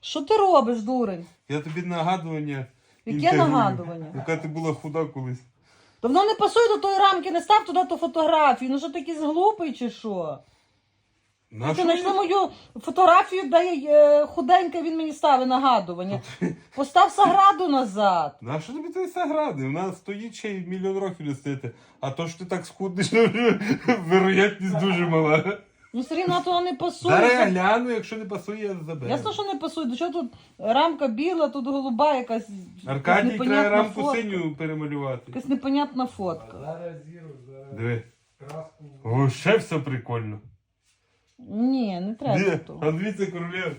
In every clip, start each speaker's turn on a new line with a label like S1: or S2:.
S1: Що ти робиш, дурень?
S2: Я тобі нагадування.
S1: Яке
S2: інтегрую.
S1: нагадування?
S2: Яка ти була худа колись.
S1: То воно не пасує до тої рамки, не став туди ту фотографію. Ну що ти якийсь глупий чи що?
S2: На
S1: Ти
S2: що
S1: знайшли
S2: мені?
S1: мою фотографію, де я, худенька, він мені ставить нагадування. Постав Саграду назад.
S2: На що тобі той Сагради? У нас стоїть ще й мільйон років не стоїти. А то що ти так схуднеш, вероятність дуже мала.
S1: Ну все рівно то не пасує.
S2: Зараз я гляну, якщо не пасує, я заберу.
S1: Ясно, що не пасує. До чого тут рамка біла, тут голуба якась.
S2: Аркадій,
S1: якась
S2: треба
S1: непонятна
S2: рамку
S1: фотка.
S2: синю перемалювати.
S1: Якась непонятна фотка.
S3: Зараз зіру, зараз
S2: Диви.
S3: краску.
S2: О, ще все прикольно.
S1: Ні, не треба
S2: Ні,
S1: того.
S2: а дивіться, королев.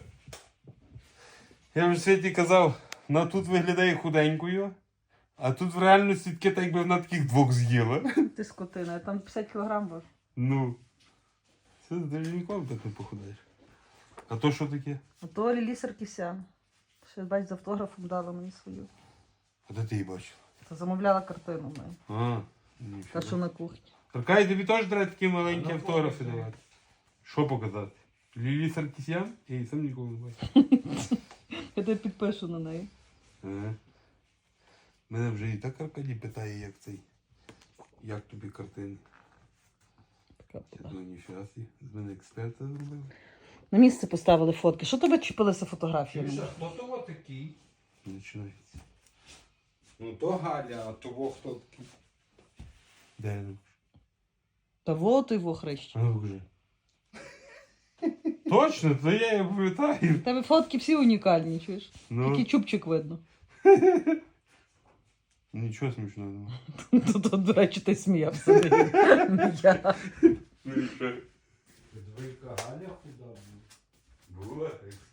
S2: Я вже Світі казав, вона тут виглядає худенькою, а тут в реальності таке, так якби вона таких двох з'їла.
S1: Ти скотина, я там 50 кілограм важу.
S2: Ну, це навіть ніколи так не похудаєш. А то що таке?
S1: А то Лілі Саркісян. Ще, бач, з автографом дала мені свою.
S2: А де ти її бачив?
S1: Та замовляла картину в мене.
S2: А,
S1: Та, що
S2: ніфіга.
S1: на кухні.
S2: Аркадій, тобі теж треба такі маленькі
S3: Ну,
S2: автографи
S3: показуй.
S2: давати. Що показати? Лілі Саркісян? Я її сам ніколи не бачив.
S1: Я тебе підпишу на неї.
S2: Ага. Мене вже і так Аркадій питає, як цей. Як тобі картини?
S1: Така
S2: Я
S1: була.
S2: думаю, ніфіга собі, з мене експерта зробили.
S1: На місце поставили фотки. Що тебе чіпилися фотографіями?
S3: Чуєш, а хто того такий?
S2: Починається.
S3: Ну то Галя, а того хто такий?
S2: Де я?
S1: Та вот його хрещ.
S2: А ну вже. Точно, то я її пам'ятаю.
S1: У тебе фотки всі унікальні, чуєш?
S2: Ну,
S1: Тільки чубчик видно.
S2: нічого смішного немає.
S1: Тут, до речі, ти сміявся. Не я.
S2: Ну і що?
S3: Двійка Галя худа була.
S2: Була.